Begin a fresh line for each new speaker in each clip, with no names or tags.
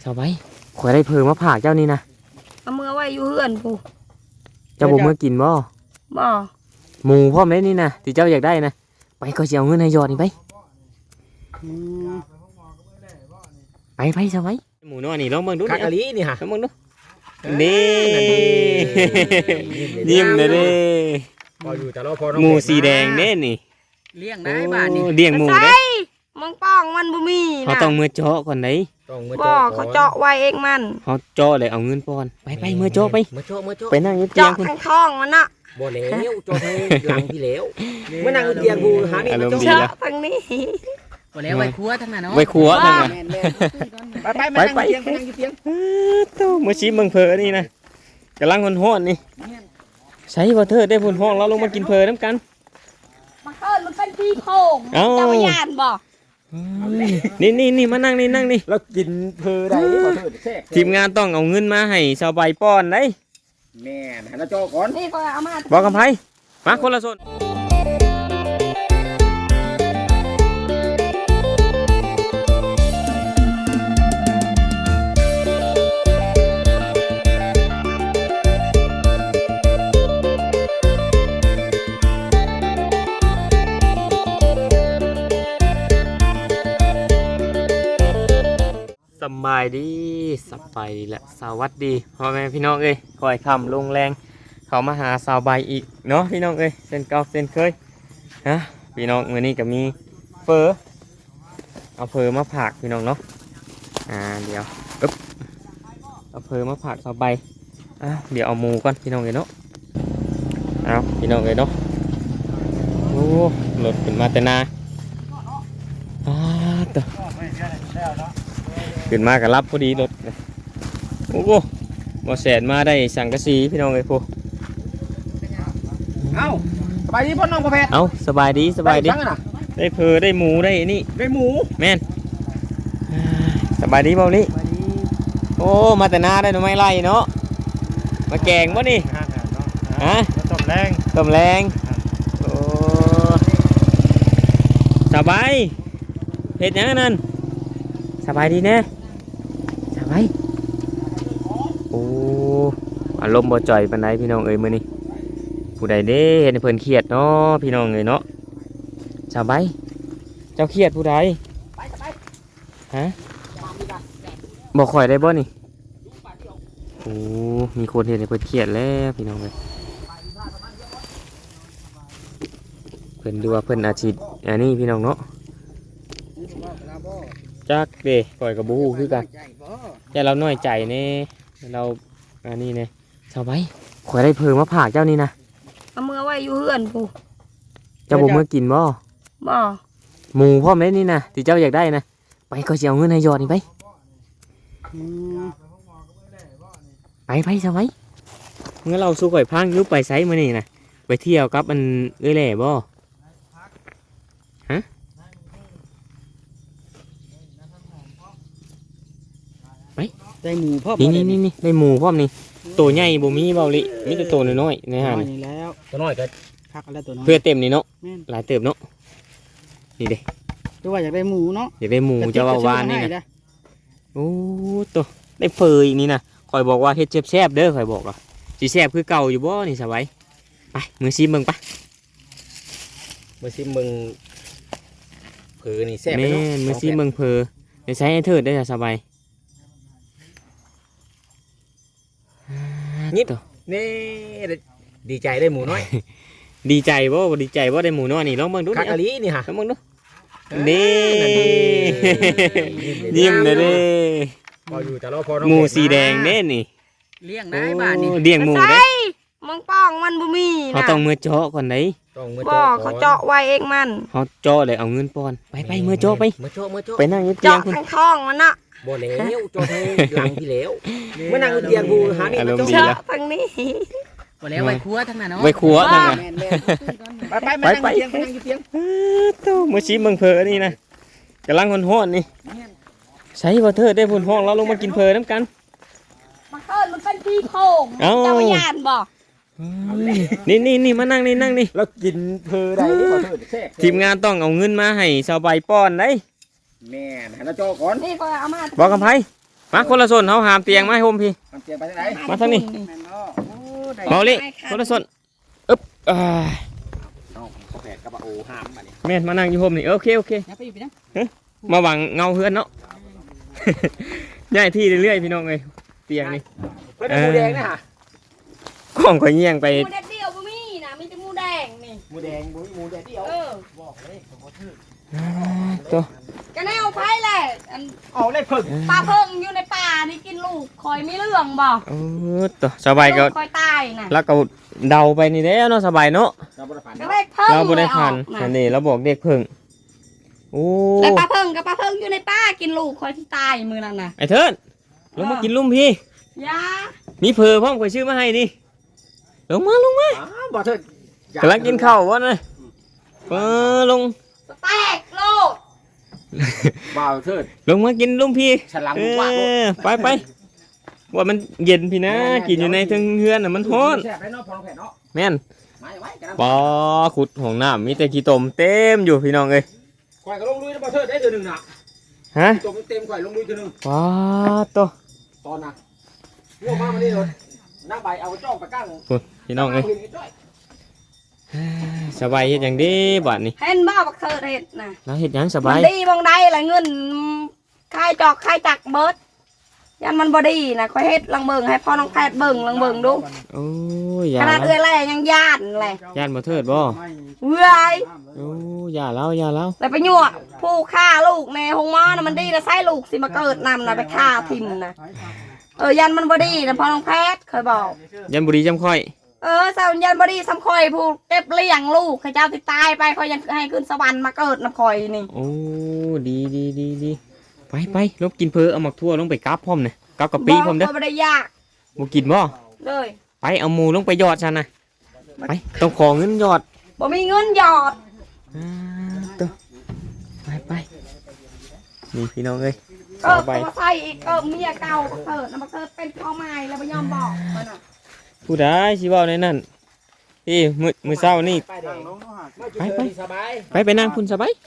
าวใบข่อยได้เพิ่มมาผากเจ้านี่นะ
เอามือไว้อยู่เฮือนผู้
เจ้าบ่มื้อกินบ่
บ่
หมูพร้อมเลยนี่นะที่เจ้าอยากได้นะไปก็สิเอาเงินให้ยอดนี่ไปไปซะไว้หมูน้อยนี่ลองเบิ่งดู
คักอะลีนี่ฮะ
ลองเบิ่งดูนี่ยิ้มเลยเด้
พออยู่แต่เราพอ
หมูสีแดงเด้นี่
เลี้ยงได้บ้านนี่
เลี้ยงหมูเด้
มังป้องมันบ่มีนะ
เขาต้องมือเจาะก่อนได้
บ่เขาเจาะไว้เองมัน
เขาเจาะเลยเอาเงินป้อนไปมือเจาะไปไปนั่งอยู่เตียง
เจาะข้างท้องมันน่ะ
บ่แล้วเจาะให้หลังพี่แล้วเมื่อนั่งอยู่เตียงกูหานี่
เจาะทางนี้
บ่แล้วไว้ครัวทั้งนั้นเนาะ
ไว้ครัวทั้งนั้น
ไปนั่งอยู่เตียง
โตมื้อชิมเบิ่งเพอนี่นะกำลังฮ้อนๆนี่ใช้บ่เถิดได้พุ่นห้องเราลงมากินเพอน้ำกัน
มันเอิ้นมันเป็นพี่โค้งเจ้าย่านบ่
นี่มานั่งนี่
แล้วกินเพอได้บ่เถิดแซ่บ
ทีมงานต้องเอาเงินมาให้ชาวใบป้อนได้
แม่นให้เราเจาะก่อน
นี่ก็เอามา
บอกกับไผมาคนละส่วนสบายดีแหละสวัสดีพ่อแม่พี่น้องเอ้ยคอยคำลงแรงเขามาหาสาวใบอีกเนาะพี่น้องเอ้ยเส้นเก่าเส้นเคยฮะพี่น้องมื้อนี้ก็มีเฟอเอาเฟอมาผักพี่น้องเนาะเดี๋ยวปึ๊บเอาเฟอมาผักสาวใบเดี๋ยวเอาหมูก่อนพี่น้องเอ้ยเนาะเอาพี่น้องเอ้ยเนาะโอ้รถขึ้นมาแต่นาตัวขึ้นมากับรับพอดีรถโอ้โหบ่แสนมาได้สังกะสีพี่น้องเอ้ยพวก
เอ้าสบายดีพ่อน้องพ่อแพทย์
สบายดีได้เพอได้หมูได้นี่
ได้หมู
แม่นสบายดีเปล่านี่โอ้มาแต่นาได้หน่อไม้ไล่เนาะมาแกงบ่นี่ฮะต้มแรงโอ้สบายเฮ็ดหยังนั่นสบายดีแน่สบายโอ้อารมณ์บ่จ่อยปานใดพี่น้องเอ้ยมื้อนี้ผู้ใดเด้เห็นเพิ่นเครียดเนาะพี่น้องเอ้ยเนาะสบายเจ้าเครียดผู้ใดฮะบ่ค่อยได้บ่นี่โอ้มีคนเห็นเพิ่นเครียดแล้วพี่น้องเอ้ยเพิ่นดูว่าเพิ่นอาชีพอันนี้พี่น้องเนาะจักเด้ปล่อยกับบูคือกันแต่เราน้อยใจเน่เราอันนี้เน่ชาวใบข่อยได้เพิ่มมาผากเจ้านี่นะ
เอามือไว้อยู่เฮือนผู้
เจ้าบ่มื้อกินบ่หมูพร้อมเลยนี่นะที่เจ้าอยากได้นะไปก็สิเอาเงินให้ยอดนี่ไปชาวใบงั้นเราสู้ข่อยพังยุบไปไสมื้อนี้นะไปเที่ยวกับมันเอ้ยแหล่บ่ฮะ
ได้หมูพ่อ
นี่ได้หมูพร้อมนี่ตัวใหญ่บ่มีเบาลิมีแต่ตัวน้อยๆในหาด
นี่แล้ว
ตัวน้อยก็
คักแล้วตัวน้อย
เพื่อเต็มนี่เนาะหลายเติบเนาะนี่เด้
ตัวว่าอยากได้หมูเนาะ
อยากได้หมูจะว่าวานนี่นะโอ้ตัวได้เฟยอีกนี่นะคอยบอกว่าเฮ็ดแซ่บๆเด้อคอยบอกว่าสิแซ่บคือเก่าอยู่บ่นี่สบายไปมือซิมเบิ่งปะ
มือซิมมึงเผอนี่แซ่บ
แม่มือซิมเบิ่งเผอเดี๋ยวใช้ให้เถิดได้สบาย
นิดนี่ดีใจได้หมูน้อย
ดีใจบ่ดีใจบ่ได้หมูน้อยนี่ลองเบิ่งดู
คักอะลีนี่ฮะ
ลองเบิ่งดูนี่ยิ้มเลยเด้
พออยู่แต่เราพอ
หมูสีแดงเด้นี่
เลี้ยงได้บ้านนี่
เลี้ยงหมูเด้
มังป้องมันบ่มีนะ
เขาต้องมือเจาะก่อนได้
บ่เขาเจาะไว้เองมัน
เขาเจาะเลยเอาเงินป้อนไปมือเจาะไปไปนั่งอยู่เตียง
เจาะข้างท้องมันน่ะ
บ่แล้วเจาะให้หลังพี่แล้วเมื่อนั่งอยู่เตียงกูหานี่
เจาะทางนี้
บ่แล้วไว้ครัวทั้งนั้นเนาะ
ไว้ครัวทั้งนั้น
ไปนั่งอยู่เตียง
โตมื้อชิมเบิ่งเพอนี่นะกำลังฮ้อนๆนี่ใช้บ่เถิดได้พุ่นห้องเราลงมากินเพอน้ำกัน
มันเอิ้นมันเป็นพี่โค้งเจ้าย่านบ่
นี่มานั่งนี่
แล้วกินเพอได้บ่เถิดแซ่บ
ทีมงานต้องเอาเงินมาให้ชาวใบป้อนได้
แม่นให้เราเจาะก่อน
นี่ก็เอามา
บอกกับไผมาคนละส่วนเฮาหามเตียงมาให้ผมพี่
มันเตรียมไปทางไหน
มาทางนี้
แม่นบ่โอ้ได้
เบาลิคนละส่วนอึ๊บ
น้องเขาแผดกับโอห้ามมาเนี่ย
แม่นมานั่งอยู่ผมนี่โอเคโอเค
อย่าไปอยู่ไปนะ
มาหวังเงาเฮือนเนาะ ย้ายที่เรื่อยๆพี่น้องเอ้ยเตียงนี่
เพื่อนหมูแดงนะฮะ
กล้องข่อยเงี่ยงไป
หมูแดดเดียวบ่มีนะมีแต่หมูแดงนี่
หมูแดงหมูแดงเดียว
เออ
บอกเลยผมก็ถือ
ตัว
ก็แนวไผแหละอัน
เอาเลยเพิ่ง
ปลาเพิ่งอยู่ในป่านี่กินลูกคอยมีเรื่องบ่
โอ้ตัวสบายก็
ลูคอยตายน่ะ
แล้วก็เดาไปนี่แล้วเนาะสบายเนาะ
เราบริฝัน
ก็เลขเพิ่ง
เราบ่ได้พัน
เลยออก
อัน
น่ะ
นี้เราบอกเด็กเพิ่งโอ้
แล้วปลาเพิ่งกับปลาเพิ่งอยู่ในป่ากินลูกคอยที่ตายมื้อนั้นน่ะ
ไอ้เทิดลงมากินลุ่มพี่
ยา
มีเพอพร้อมข่อยชื่อมาให้นี่ลงมา
บอกเถิด
กำลังกินข้าววะนะลง
สแตกโลด
บอกเถิด
ลงมากินลุ่มพี่
ฉลังว่าง
ไปว่ามันเย็นพี่นะกินอยู่ในทึงเฮือนน่ะมันร้อน
แซ่บได้เนาะพอเราแผดเนาะ
แม่น
ไม่ไว้กัน
ปอขุดของน้ำมีแต่ขี้ตมเต็มอยู่พี่น้องเอ้ย
ข่อยก็ลงลุยนะบอกเถิดได้เดือนหนึ่งน่ะ
ฮะ
ตัวเต็มข่อยลงลุยเดือนหนึ่ง
ว้าตัว
ตอนน่ะพวกมาวันนี้เลยนั่งใบเอาจ้องไปกั้ง
พี่น้องเอ้ยสบายเฮ็ดอย่างดีบัดนี้
เห็นบ่บักเธอเฮ็ดน่ะ
แล้วเฮ็ดหยังส
มั
บาน ย
ดีบางใดล่ะเงินค่ายจอกค่ายจักเบิดยันมันบ่ดีน่ะคอยเฮ็ดลังเบิ่งให้พ่อน้องแพทย์เบิ่งลังเบิ่งดู
โอ้ยอย่า
ขนาด
แล้ว
เอื้อยแล่ยังย่านแหละ
ย่านบ่เทิดบ่
เอื้อย
โอ้อย่าแล้ว
แล้วไปยั่วผู้ฆ่าลูกในห้องหมอน่ะมันดีนะใส่ลูกสิมาเกิดนำน่ะไปฆ่าทิ่มน่ะยันมันบ่ดีนะพ่อน้องแพทย์เคยบอก
ยันบุรีจำค่อย
สาวยันบ่ดีสำคอยผู้เก็บเลี้ยงลูกข้าเจ้าสิตายไปคอยยังให้ขึ้นสวรรค์มาเกิดนำคอยนี่
โอ้ดีไปลบกินเพอเอาหมักทั่วลงไปกับพร้อมเนี่ยกับกะปิพร้อมเด้อ
บ่ได้ยาก
บ่กินบ่
เลย
ไปเอาหมูลงไปยอดฉันนะไปต้องขอเงินยอด
บ่มีเงินหยอด
ตัวไปนี่พี่น้องเอ้ย
ก็
เอาไป
มาใส่อีกเมียเก่ามาเกิดนะมาเกิดเป็นพ่อใหม่แล้วบ่ยอมบอกมันน่ะ
ผู้ใดสิเว้าในนั้นพี่มื้อเช้านี่
ไปเด็กไปสบาย
ไปนั่งคุณสบาย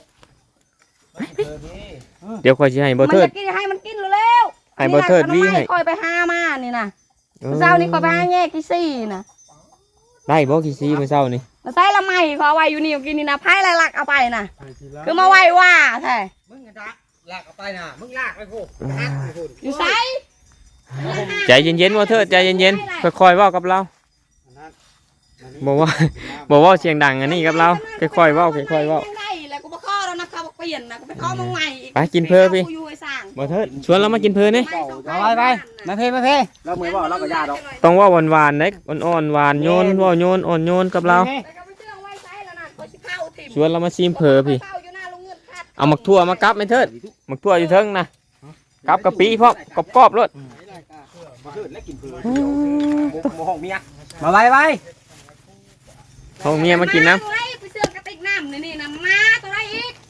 เดี๋ยวค่อยสิให้บ่
มัน
เทิด
จะกินให้มันกินเร็วๆ
ให้บ่เทิด
อันนี้
วี่ให้
คอยไปหามานี่น่ะเช้านี้คอยไปหาแยกที่สี่น่ะ
ได้บ่กี่ซีมื้อเช้านี่
มาใส่ละไม้เขาเอาไว้อยู่นี่กินนี่นะไผ่หลักเอาไปน่ะคือมาไว้ว่าแท้
มึงลากเอาไปนะมึงลากไปพูด
อยู่ไส
ใจเย็นๆบ่เทิดใจเย็นๆค่อยๆเว้ากับเราบอกว่าเสียงดังอันนี้กับเราค่อยๆเว้าค่อยๆเว้า
ได้แล้วกูบ่ขอแล้วนะเขาบอกเปลี่ยนนะกูไปขอมึงใหม่อีก
ไปกินเพิ่มพี่
กูอยู่ไอ้สร้าง
บ่เทิดชวนเรามากินเพลินนี่
ไปมาเพ
เราเหมือนว่าเราก็ยาดอก
ต้องว่าหวานๆเด้อ่อนๆหวานโยนว่าโยนอ่อนโยนกับเรา
แล้วก็ไปเชื่องไว้ไสแล้วนั่นเขาสิเข้าถิ่ม
ชวนเรามาชิมเพอพี่
เข้าอยู่หน้าโรงเงินคาด
เอาหมักทั่วมากับไม่เทิดหมักทั่วอยู่เทิงนะกับกะปิพร้อมกรอบๆรส
มาเถิดและกินเพื่อนโมห้องเมีย
มาไว้
เอาเมียมากินน้
ไว้ไปเชื่องกระติกน้ำนี่นะมาตัวไรอีก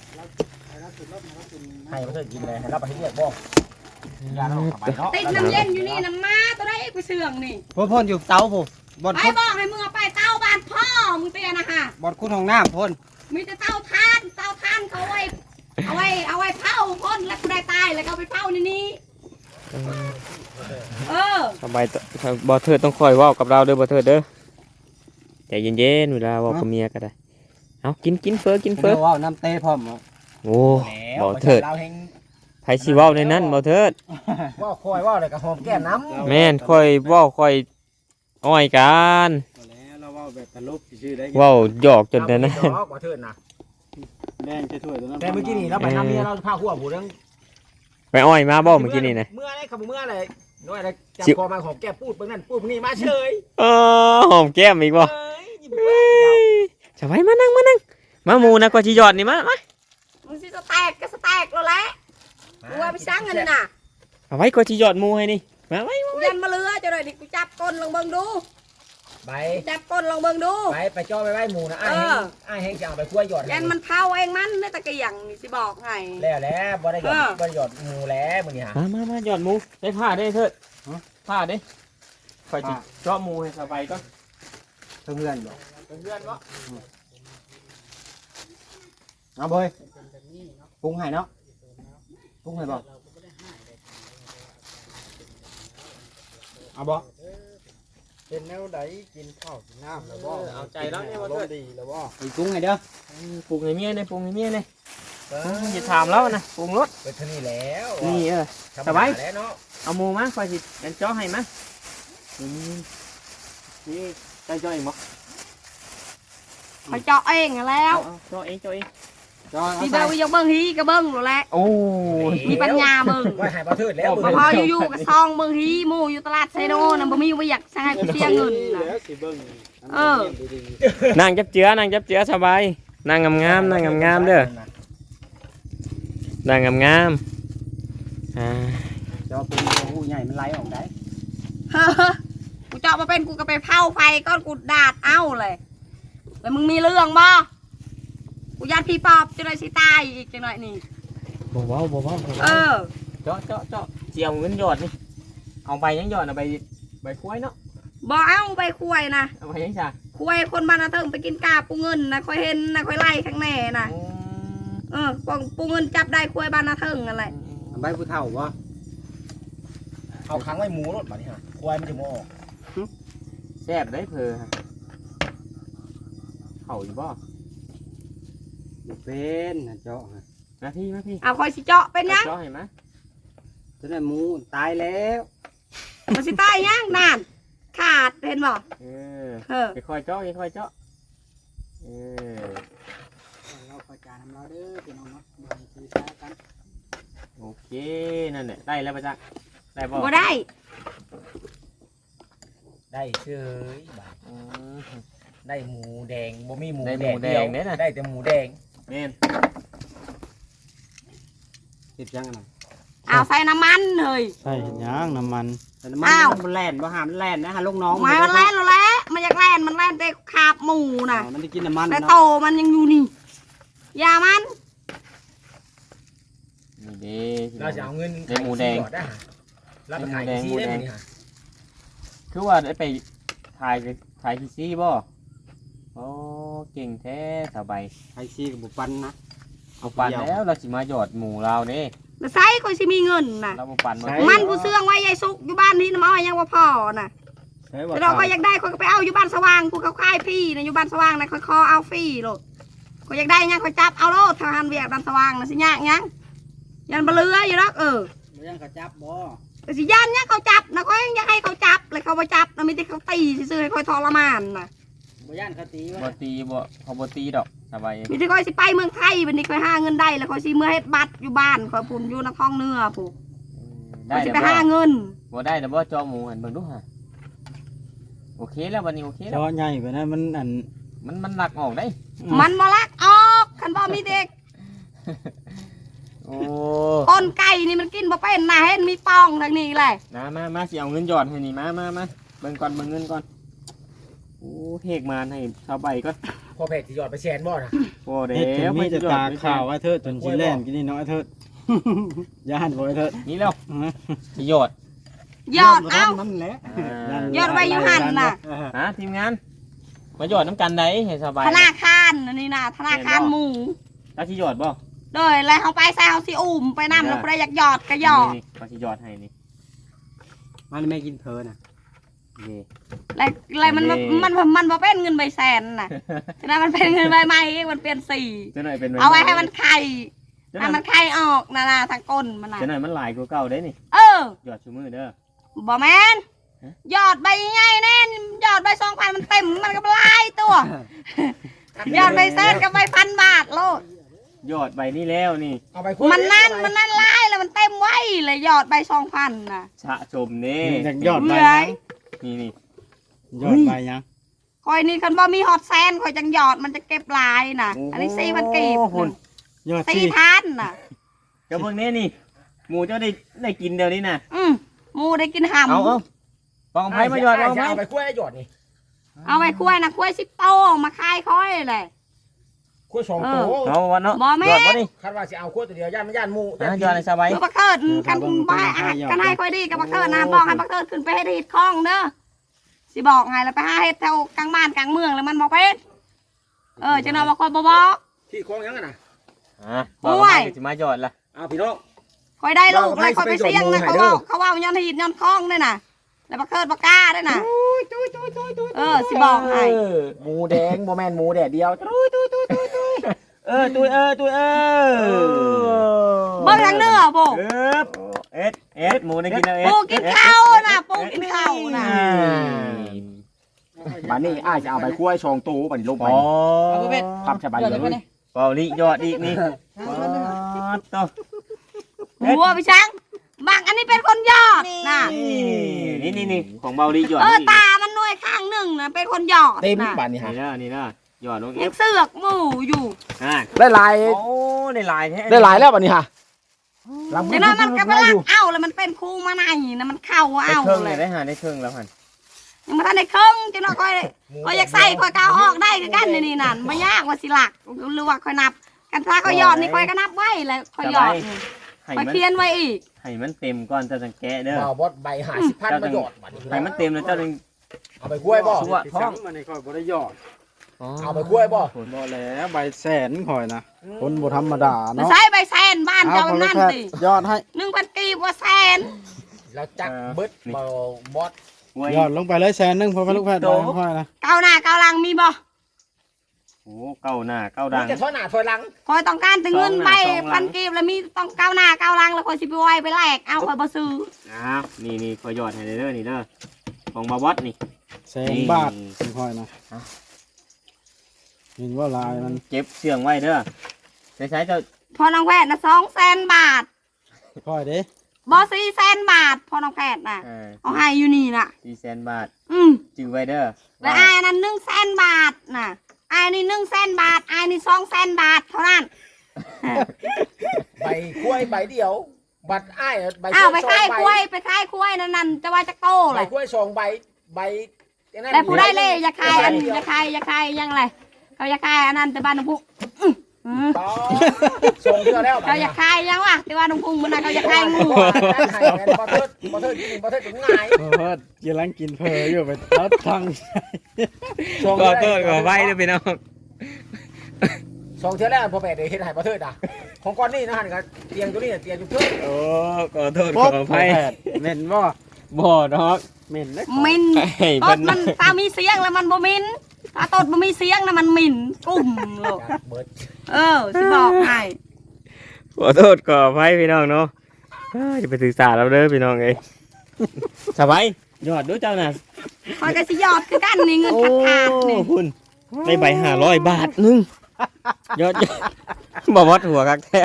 ให้มาเถิดกินเลยให้เราไปให้เรียกบ่ยาเราขับไปเนาะ
ติดน้ำเย็นอยู่นี่นะมาตัวไรอีกไปเชื่องนี่
พ่นอยู่เตาผมบอด
ไป
คุด
บอกให้มึงเอาไปเต้าบ้านพ่อมึงเตียนะฮะ
บอดคุดของน้ำพ่น
มีแต่เต้าทานเขาเอาไว้เผาพ่นแล้วกูได้ตายแล้วก็เอาไปเผาในนี้
ำสบายบ่เทิดต้องคอยเว้ากับเราเด้อบ่เทิดเด้อใจเย็นๆเวลาเว้ากับเมียก็ได้เอากินเฟอกินเฟอ
ว่าน้ำเต้พร้อม
โอ้บ่เทิด
เราเฮง
ไผสิเว้าในนั้นบ่เทิด
ว่าคอยว่าเลยกับหอมแก้มน้ำ
แม่นค่อยเว้าค่อยอ้อยกัน
เราว่าแบบตลกชื่อได้
เว้าหยอกจนแต่นั้น
ว่าเถิดนะ
แดงจะถ้วยตัวนั้น
แต่เมื่อกี้นี่เราไปทำเมียเราพาหัวผู้เรื่อง
ไปอ้อยมาบ่เมื่อกี้นี่นะ
เมื่อไรครับเมื่อไรน้อยอะไรจับคอมาหอมแก้มพูดเบิ่งนั่นพูดนี่มาเฉย
หอมแก้มอีกบ่จะไปมานั่งมาหมูนะกว่าสิหยอดนี่มา
มึงสิสแตกก็สแตกแล้วแหละกูว่าไปสร้างเงินน่ะ
เอาไว้กว่าสิหยอดหมูให้นี่มาไว้
กูยันมาเรือจะเลยดิกูจับก้นลองเบิ่งดู
ไป
จับก้นลองเบิ่งดู
ไปจ่อไปไว้หมูนะอ้ายเฮงจะเอาไปคั่วหยอด
ยันมันเผาเองมันในตะเกียงนี่สิบอกให้
แล้วบ่ได้หยอดบ่ได้หยอดหมูแล้วมื้อนี้ฮะ
มาหยอดหมูได้ผ้าได้เถิดผ้าได้คอยจิเจาะหมูให้สบายก่อน
เพื่อนบอก
เพื่อนๆบ่
เอาเบยปรุงให้เนาะปรุงให้บอกเอาบ่เป็นแนวใดกินข้าวกินน้ำแล้วบ่
เอาใจแล้วเนี่ยบ่เถิด
ดีแล้วบ่ไปกุ้งไงเด้อ
ปรุงให้เมียเนี่ยปรุงให้เมียเนี่ยอย่าถามแล้วนะปรุงรส
ไปเท่านี้แล้ว
นี่สบายเอาหมูมาคอยสิกันจ้อให้มานี่ใจจ้อเองบ่
เขาเจาะเองแล้ว
จ้อเองจ้อเอง
ที่เบิ่งวิยกเบิ่งฮีก็เบิ่งหนูแหละ
โอ้
มีปัญญาเบิ่ง
ว่าหายบ่ทืดแล้ว
พออยู่ๆก็ซองเบิ่งฮีหมู่อยู่ตลาดไซโนน่ะบ่มีว่าอยากใช้กูเสียเงินน่ะ
แล้วสิเบิ่ง
เออ
นั่งจับเจือนั่งจับเจือสบายนั่งงามๆนั่งงามๆเด้อนั่งงามๆ
จะเป็นหูใหญ่มันไหลออกได้
เฮ้อกูเจาะมาเป็นกูก็ไปเผาไฟก้อนกูดาดเอ้าเลยแล้วมึงมีเรื่องบ่กูยัดพี่ปอบจะได้สิตายอีกจังหน่อยนี่
บ่เว้า
เออ
เจาะเจียวเงินหยอดนี่เอาไปยังหยอดเอาใบควายเนาะ
บ่เอาไปคุยนะ
เอาไปยังจ้ะ
คุยคนบ้านนาเทิงไปกินกาปูเงินนะค่อยเห็นนะค่อยไล่ข้างแน่นะปูเงินจับได้คุยบ้านนาเทิงอะไร
ใบผู้เฒ่าบ่
เอาค้างไว้หมูรถบัดนี้ฮะควายมันจะมาออก
แซ่บได้เพอฮะเข่าอยู่บ่
เป็นเจาะ
มาพี่
เอาคอยสิเจาะเป็นยัง
เจาะให้มา
จะได้หมูตายแล้ว
มันสิตายยังนานขาดเห็นบ่
เออ
เออ
ค่อยเจาะค่อยเจาะเออ
เราประจานเราเด้อพี่น้องเนาะคือใช้กัน
โอเคนั่นแหละได้แล้วปะจ๊ะได้บ่
บ่ได้
ได้เฉยบาด
อืม
ได้หมูแดงบ่มีหมู
ได้ห
แด
มู
ง
แด
เดียว
งเนี่ยนะ
ได้แต่หมูแดง
แม่น
ติดยังไง
เอาใส่น้ำมันเลย
ใช่ย่างน้ำมันแต่น้ำมัน
อ้าว
มันแล่นบ่หามนแล่นนะฮะลูกน้อง
ไม้มันแล่นแล้วแหละมันอยากแล่นมันแล่นไปคาบหมูน่ะ
มันได้กินน้ำมัน
แต่โต
เนาะ
มันยังอยู่นี่อย่ามัน
นี่เด้
เราจะเอาเงิน
ได้หมูแดง
ได้ฮะเราไปขายที่ได้นี่ฮะ
คือว่าได้ไปถ่ายที่ซี่บ่โอ้เก่งแท้สบาย
ไอซีกับบุปันนะ
เอาปั่นแล้วเราสิมาหยอดหมูเราเด้
แล้วใส่คอยสิมีเงินน่ะ
เราบ่ปั่นบ่
มันกูเสื่องไว้ยายสุกอยู่บ้านนี่น้ำอ้อยยังว่าพอน่ะ
ใช่บ่
แต่เราก็อยากได้คนก็ไปเอาอยู่บ้านสว่างกูเขาค่ายพี่นะอยู่บ้านสว่างนะคอยเอาฟรีโลดก็อยากได้ยังคอยจับเอาโลดทหารเวียกบ้านสว่างนะสิยากยังยันบะเลืออยู่แล้ว
บ่ยังเขาจับบ่
แต่สิยันยังเขาจับนะคอยอยากให้เขาจับเลยเขาไปจับนะไม่ได้เขาตีซื่อๆให้คอยทรมานนะ
บ่ย่านเขาตี
บ่
ว่า
ตีบ่เขาบ่ตีดอกสบาย
มีที่คอยสิไปเมืองไทยวันนี้คอยหาเงินได้แล้วคอยสิเมื่อเฮ็ดบัตรอยู่บ้านคอยพุ่นอยู่นครเนื้อผูกค
ได้
อยสิ
แล้ว
ไป
บ่
หาเงิน
บ่ได้แล้วบ่จอหมูหันเบิ่งดูฮะโอเคแล้ววันนี้โอเคแล้ว
จอใหญ่ไปนะมันอัน
มันหลักออกได้
มันบ่ลักออกคันบ่มีเด็ก
โอ้
ก้นไก่นี่มันกินบ่เป็นนะเห็นมีปองทางนี้เลย
มาสิเอาเงินหยอดให้นี่มาเบิ่งก่อนเบิ่งเงินก่อนโอ้เฮกมาให้ชาวใบก่อน
พอเพจที่ยอดไปแชนบ่นะ
โอ้เด้
เฮ็ดจนมีแต่ตาข่าว
ว
ไอ้เทิดจนสิแล่นกินนี่เนาะไอ้เทิด ย่านบ่ไอ้เทิด
นี่แล้วสิหยอด
ยอดเอ้า
นั่นแหละ
ยอดไว้อยู่หั่นน่ะ
ฮะทีมงานมาหยอดน้ำกันได้ให้สบาย
ธนาคารอันนี่นะธนาคารหมู
แล้วสิหยอดบ่
โดยแล้วเขาไปใส่เขาสิอุ่มไปนำแล้วบ่ได้อยากหยอดก็หยอด
นี่เขาสิหยอดให้นี่
มันไม่กินเพลินอ่ะ
นี่
แล้วมันบ่เป็นเงินใบแสนน่ะฉะนั้นมันเป็นเงินใบใหม่มันเปลี่ยนสี
เจ้าหน่อยเป็น
เอาไว้ให้มันไข่
เจ้าห
ให้
น่อย
มันไข่ออกนะทางก้นมันน่ะ
เจ้าหน่อยมันหลายกว่าเก่าได้นี่
เออ
หยอดชูมือเด้อ
บ่แม่นหยอดใบใหญ่แน่นหยอดใบ2,000มันเต็มมันก็หลายตัวหยอดใบแสนกับใบ1,000 บาทโลด
หยอดใบนี้แล้วนี่
เอาไป
มันนั่นหลายแล้วมันเต็มไว้เลยหยอดใบ2,000น่ะ
ชะชมนี่
อยากยอดใบ
เบื่อ
นี่
ยอดใบยัง
คอยนี่คันบ่มีฮอตแซนคอยจังหยอดมันจะเก็บหลายน่ะ อันนี้4,000กีบ
ยอดที่
4,000น่ะ
กระเบื้องนี้นี่หมูเจ้าได้กินเดี๋ยวนี้นะ
หมูได้กินหำ
เอาปองไผ่มาหยอดเอาไผ่
เอาไปกล้วยหยอดนี่
เอาไปคุ้ยนะคุ้ย10 โตมาคายค่อยเลย
กล้วย2โต
เอาวันเนาะ
บ่แม่
หยอดบ่นี่
คาดว่าสิเอากล้วยตัวเดียวย่านมันย่านหมู
หยอดในสบาย
คือบักเคิดกันบ่กันให้ค่อยดีกับบักเคิดนะบอกให้บักเคิดขึ้นไปเฮ็ดฮีดคล้องเด้อสิบอกให้แล้วไปหาเฮ็ดแถวกลางบ้านกลางเมืองแล้วมันบ่เป็นจังได๋บ่ค่อยบ่บอก
ที่คล้องยังน่ะ
บอกว่าจะมาหยอดละ
เอาพี่น้อง
ค่อยได้ลูกเลยค่อยไปเสี่ยงนะเขาเว้าย้อนฮีดย้อนคล้องด้วยน่ะแล้วบักเทิดบักกล้าด้วยน่ะสิบอกให้
หมูแดงบ่แม่นหมูแดดเดียวตุ้ยตุ้ย
เบิ่งทางเนื้อโบ
เอ็ดหมูได้กินแล้วเอ็ด
ปูกินข้าวน่ะปูกินข้าวน่ะ
บัดนี้อ้ายจะเอาใบกล้วยชองตู้บัดนี้ลงไป
อ๋อ
พับใส่ใบเลย
เปล่านี่ยอดอีกนี่ต่อ
หัวพี่ช้างบางอันนี้เป็นคนยอดน่ะ
นี่ของเบาดียอด
ตามันหน่วยข้างหนึ่งน่ะเป็นคนยอด
เต็ม
น่ะ
บัดนี้ฮะ
นี่นะยอดลงเอ
ยัง
ฟ
เสือกหมู่อยู่
ได้ลาย
โอ้ได้ลายแท้
ได้ลายแล้วบัดนี้ฮะ
เดี๋ยวนั้นมันก็ไปลักเอาแล้วมันเป็นคูมาในนะมันเข้า
ได้
เอา
เครื่อง
เล
เลย ยได้หาได้เครื่องแล้วหัน
ยังมาทันได้เครื่องจังเนาะค่อยอยากใส่ค่อยกาวออกได้คือกันนี่นั่นไม่ยากว่าสิหลักหรือว่าค่อยนับกันถ้าค่อยหยอดนี่ค่อยก็นับไว้แล้วค่อยหยอดนี่
ให้
ค่อย
มัน
เพียนไว้อีก
ให้มันเต็มก่อนจะแกะเด้อ
บ่าวบดใบ50,000มาหยอดบัดนี้
ให้มันเต็มแล้วเจ้าจึง
เอาใบกล้วยบ่
ชัวท้อง
มันนี่ค่อยบ่ได้ยอด
เอาใบกล้วยบ่
บ่แล้วใบแสนข่อยนะคนบ่ธรรมดา
มา
เนาะ
ใช้ใบแซนบ้าน
เอา
เจ้า
พอ
นั่น
แพท
สิ
ย์ยอดให้
1,000 กีบว่าแสน
แล้วจักเบิดบ่บด
ยอดลงไปเลยแสนนึงพอพอลูกแพทย์บ่ค่อยนะ
เก้าหน้าเก้าหลังมีบ่
โอ้เก้าหน้าเก้าดัง
จะถอยหน้าถอยหลัง
คอยต้องการถึงเงินใบ
สองหลัง
1,000 กีบแล้วมีต้องเก้าหน้าเก้าหลังแล้วคอยสิไปไว้ไปแลกเอาคอยบ่ซื้อ
นี่ขอยอดให้เด้อนี่เด้อของบาวัดนี่
แสนบาทค่อยนะเห็นว่าลายมัน
เก็บเสียงไว้เด้อใช้เจ้า
พอน้องแพทย์นะ200,000 บาท
ค่อยเด้
บ่400,000 บาทพอน้องแพทย์น่ะเอาให้อยู่นี่น่ะ
400,000 บาท จื้อไว้เด้อ
แล้วอายนั้น100,000 บาทน่ะอายนี่100,000 บาทอายนี่200,000 บาทเท่านั้น
ใบกล้วยใบเดียว บัดอ้ายใบ
อ้าวไป
สอง
ค่าย
ใบ
กล้วยไปค่ายกล้วยนั่นจะว่าจะโต
ใบ
เลย
กล้วย2ใบใบ
แต่ผู้ได้เลยอย่าคายอันอย่าคายยังไรเขาอย่าคายอันนั้นแต่บ้านน้องพุง
ต่อส่งเทื่อแล้ว
เขาอย่าคายยังวะแต่ว่าน้องพุงมันน่ะเขาอย่าคายงู
ให้แม่นบ่เทิดถึงง่าย
เพิ่นกำลังกินเพออยู่ไปทัดทาง
ก็เกิดก็ไว้เด้อพี่น้อง
ส่งเทื่อแล้วพ่อแม่ได้เฮ็ดให้บ่เทิดอ่ะของก่อนนี่นะหั่นก็เตียงตัวนี้เตียงอยู่เทิด
โอ้ขอโทษขออภัย
เม่นบ่
บ่ดอก
เม่นเด้
มิน
ให้
ต
เพิ่
ด
น
มันตามีเสียงแล้วมันบ่มินตาตดบ่มีเสียงนะมันมินกุ้มโลก
เบิด
สิบอกให้
ขอโทษขออภัยพี่น้องเนาะจะไปศึกษาเราเด้อพี่น้องเอ้ยสบายยอดดูเจ้าน่ะ
คอยก็สิยอดคือกันนี่เงินขาดๆนี่
คุณได้ใบ500 บาทนึงยอดบ่วัดหัวคักแท้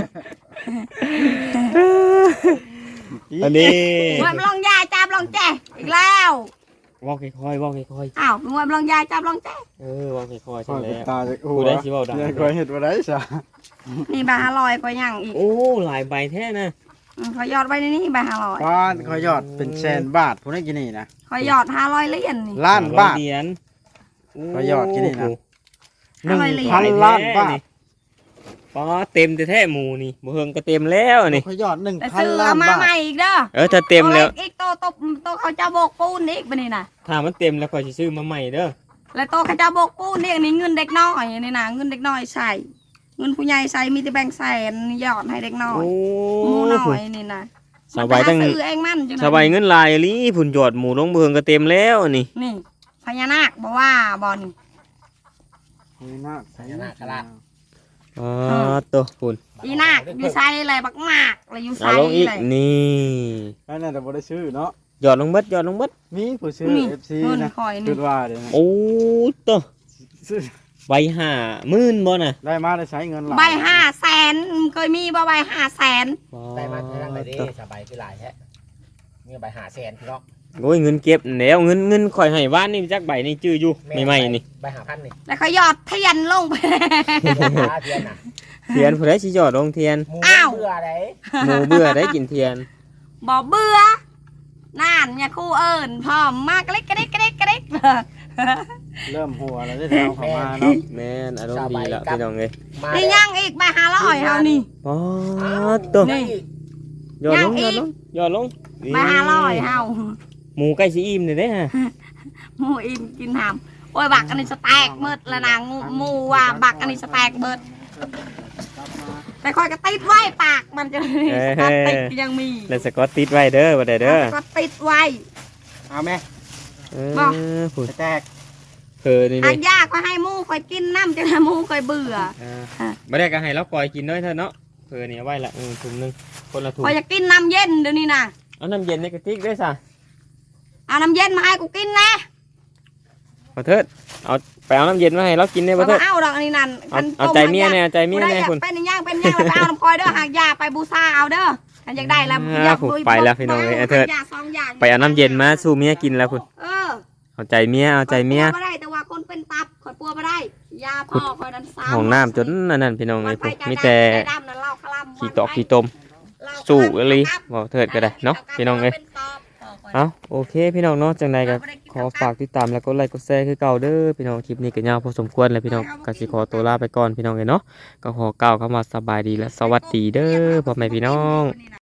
อันนี้
มวยมันลองยาจับลองแจอีกแล้ว
วอกค่อยๆวอกค่อย
อ้าวมวยมันลองยาจับลองแจ
ๆวอกค่อยๆ
ค่
ใช่
อย
แล้ว
ตาจะ
กูได้สิเว้าดัง
ยังค่อยเฮ็ดบ่ได้ซะ
นี่ใบ500ก็ยังอีก
โอ้หลายใบแท้นะ
ขอยอดไว้ในนี้ใบ500
บ้านค่อยยอดเป็นแสนบาทผู้ได้กินนี่นะ
ขอยอด500เหรียญนี่
ล้านบาท
เหรียญ
ก็ยอดกินนี่นะ
1,000
ล้านบาท
ป๋อเต็มแท้ๆหมูนี่บ่เฮิงก็เต็มแล้วนี่
ค่อยยอด
แต่ซื้อ
1,000 ล้า
เอา
น
มา
บาท
ใหม่อีกเด้อ
ถ้าเต็มแล้ว
อีกโตเขาจะโบกปูนอีกบัดนี้น่ะ
ถ้ามันเต็มแล้วค่อยสิซื้อมาใหม่เด้อ
แล้วโตเขาจะโบกปูนอีกนี่เงินเด็กน้อยนี่นะเงินเด็กน้อยใส่เงินผู้ใหญ่ใส่มีแต่แบ่งแสนยอดให้เด็กน้อยหมูน้อยนี่นะ
สบายตั้ง
ซื้อเองมันจัง
สบายเงินลายอีหลีผุ่นยอดหมูลงเบืองก็เต็มแล้วนี่
นี่พญานาคบอกว่าบอล
นี่มาก
อ๋อตัวผุ่น
อีนาคอยู่ใส่อะไรบักมากอะไรอยู่
เอา
ใส่
ลงอีก
เลย
นี่
นั่นน่ะแต่บ่ได้ซื้อเนาะ
ยอดลงเบิดยอดลงเบิด
มีผู้ซื้อ
นี่
FC
เงิน
นะ
คอย
คิ
นี่
ดว่าเดี๋ยวนะ
โอ้ตัว
ซื้อ
ใบ50,000บ่น่ะ
ได้มาได้ใช้เงินหลาย
ใบ500,000เคยมีบ่ใบ500,000
ได้มาทางไหนดิสบายคือหลายแท้มีใบ500,000พี่น้อง
โอ้ยเงินเก็บแล้วเงินข่อยให้บ้านนี่จักใบนี่จื้ออยู่ใหม่ๆนี่
ใบ5,000นี่
แล้วเขายอดเทียนลงไป
เทียนน่ะ
เทียนผู้ใดสิยอดลงเทียน
หมู
อ้าว
เบื่อได
หมูเบื่อได้กินเทียน
บ่เบื่อนั่นเนี่ยครู่เอิญพร้อมมากกระดิก
เริ่มหัวแล้วได้เอาเข้ามาเนาะ
แม่นอารมณ์ดีแล้วพี่น้องเอ้ย
มา
นี่ยังอีกใบ500เฮานี่
อ๋อตัว
นี่
ยอดลง
ยังอี
ยอด
ก
ลง
ใบ500เฮา
หมูใกล้สิอิ่มเลยเด้ฮะ
หมูอิ่มกินหามโอ้ยบักอันนี้สแต็กเบิดแล้วนะหมูว่าบักอันนี้สแต็กเบิดแต่คอยก็ติดไว้ปากมันจะสกอตติดยังมี
แล้วสกอตติดไว้เด้อบ่ได้เด้อ
สกอตติดไว้
เอาไหม
ผู้
แตก
นี่
อั
นี่
กยาก็ให้หมูคอยกินน้ำจนหมูคอยเบื่อ
ไม่ได้ก็ให้เราปล่อยกินด้วยเถอะเนาะนี่เอาไว้ละถุงนึงคนละถุง
คอยจะกินน้ำเย็นเดี๋ยวนี้นะ
เอาน้ำเย็นในกระติกด้วยซะ
เอาน้ำเย็นมาให้กูกินนะ
บ่เถิดเอาไปเอาน้ำเย็นมาให้เรากินได้
บ่
บ่เถิด
เอาดอกอันนี้นั่น
เอาใจเมียเนี่ยเอาใจเมีย
ได้
เนี่ย
อยาก
คุณ
เป็นย่างเป็นย่างแล้วไปเอาน้ำคอยเด้อหากยาไปบูชาเอาเด้ออันอยากได้แล้วอยาก
ไปแล้วพี่น้องเอ้ยเถิด
หากยาสองอย่าง
ไปเอาน้ำเย็นมาสู่เมียกินแล้วคุณ เอาใจเมียเอาใจเมีย
ไม่ได้แต่ว่าคนเป็นตับคอยปัวไม่ได้ยาพ่อคอยนั้นซ้ำ
ห้องน้ำจนนั่นพี่น้อง
มั
เอ้
น
ย
ไป
มีแต่
ดำนั่นเล่าคลำ
ขี้ตอกขี้ตมสู่เลยบ่เถิดก็ได้เนาะพี่น้องเอ้ยเอาโอเคพี่น้องเนาะจังใดก็ขอฝากติดตามแล้วก็ไลค์กดแชร์คือเก่าเด้อพี่น้องคลิปนี้ก็ยาวพอสมควรแล้วพี่น้องก็สิขอตัวลาไปก่อนพี่น้องเอ้ยเนาะก็ขอกล่าวคำว่าสบายดีและสวัสดีเด้อพ่อแม่พี่น้อง